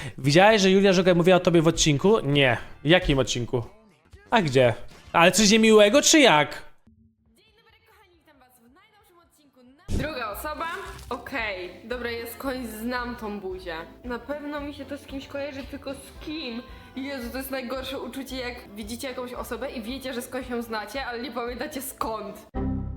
Widziałeś, że Julia Żugaj mówiła o tobie w odcinku? Nie. W jakim odcinku? A gdzie? Ale coś niemiłego, czy jak? Witam was w najnowszym odcinku. Druga osoba? Okej, dobra, ja skądś znam tą buzię. Na pewno mi się to z kimś kojarzy, tylko z kim? Jezu, to jest najgorsze uczucie, jak widzicie jakąś osobę i wiecie, że skądś ją znacie, ale nie pamiętacie skąd.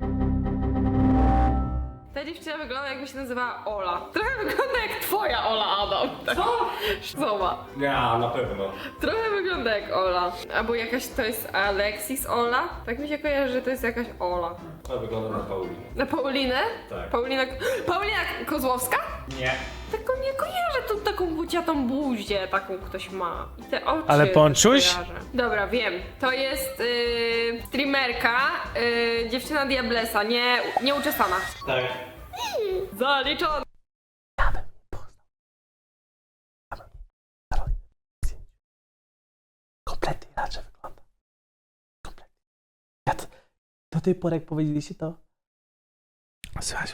Ta dziewczyna wygląda, jakby się nazywała Ola. Trochę wygląda jak twoja Ola, Adam. Co? Zobacz. Nie, na pewno. Trochę wygląda jak Ola. Albo jakaś to jest Alexis Ola. Tak mi się kojarzy, że to jest jakaś Ola. To wygląda na Paulinę. Na Paulinę? Tak. Paulina Kozłowska? Nie. Taką nie kojarzę, tą taką buciatą buzię, taką ktoś ma. I te oczy. Ale Ponczuś? kojarzę. Dobra, wiem. To jest streamerka, dziewczyna Diablesa, nieuczesana. Tak. Zaliczona. Kompletnie inaczej wygląda. Kompletnie. Ja to, do tej pory, jak powiedzieliście to... Słuchajcie.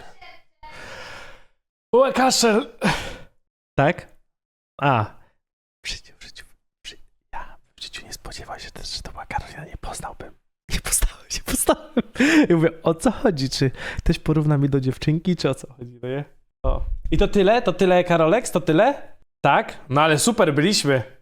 O, kaszel! Tak? A. W życiu. Ja w życiu nie spodziewał się też, że to była Karolina. Nie poznałem. I mówię, o co chodzi? Czy ktoś porówna mi do dziewczynki, czy o co chodzi? No nie? O. I to tyle? To tyle, Karoleks? To tyle? Tak? No ale super byliśmy.